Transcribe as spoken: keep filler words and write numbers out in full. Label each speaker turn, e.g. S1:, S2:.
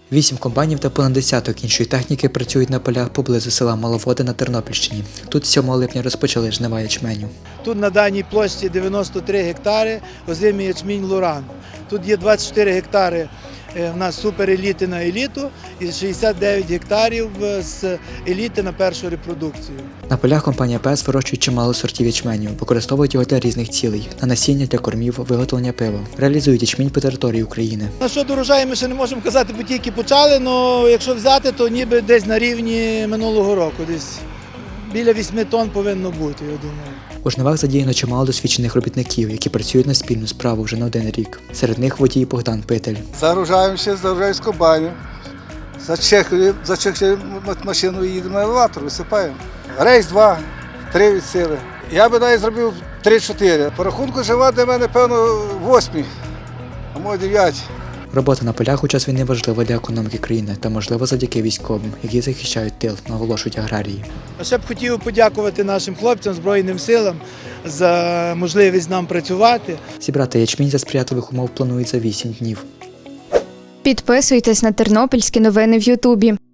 S1: Вісім комбайнів та понад десяток іншої техніки працюють на полях поблизу села Маловоди на Тернопільщині. Тут сьомого липня розпочали жнива ячменю.
S2: Тут на даній площі дев'яносто три гектари озимий ячмінь Луран. Тут є двадцять чотири гектари в нас супереліти на еліту і шістдесят дев'ять гектарів з еліти на першу репродукцію.
S1: На полях компанія ПЕС вирощує чимало сортів ячменю, використовують його для різних цілей – на насіння, для кормів, виготовлення пива. Реалізують ячмінь по території України.
S2: На що до урожаю ми ще не можемо казати, бо тільки почали, але якщо взяти, то ніби десь на рівні минулого року, десь біля вісьми тонн повинно бути, я думаю.
S1: У жнивах задіяно чимало досвідчених робітників, які працюють на спільну справу вже не один рік. Серед них водій Богдан Питель.
S3: Загружаємося, загружаємо з комбайнів, зачехлюємо, зачехлюємо машину і їдемо на елеватор, висипаємо. Рейс два, три від сили. Я би навіть зробив три-чотири. По рахунку жива для мене, певно, восьмі, а може дев'яті.
S1: Робота на полях у час війни важлива для економіки країни та, можливо, завдяки військовим, які захищають тил, наголошують аграрії.
S2: А ще б хотів подякувати нашим хлопцям, Збройним силам за можливість нам працювати.
S1: Зібрати ячмінь за сприятливих умов планують за вісім днів.
S4: Підписуйтесь на тернопільські новини в Ютубі.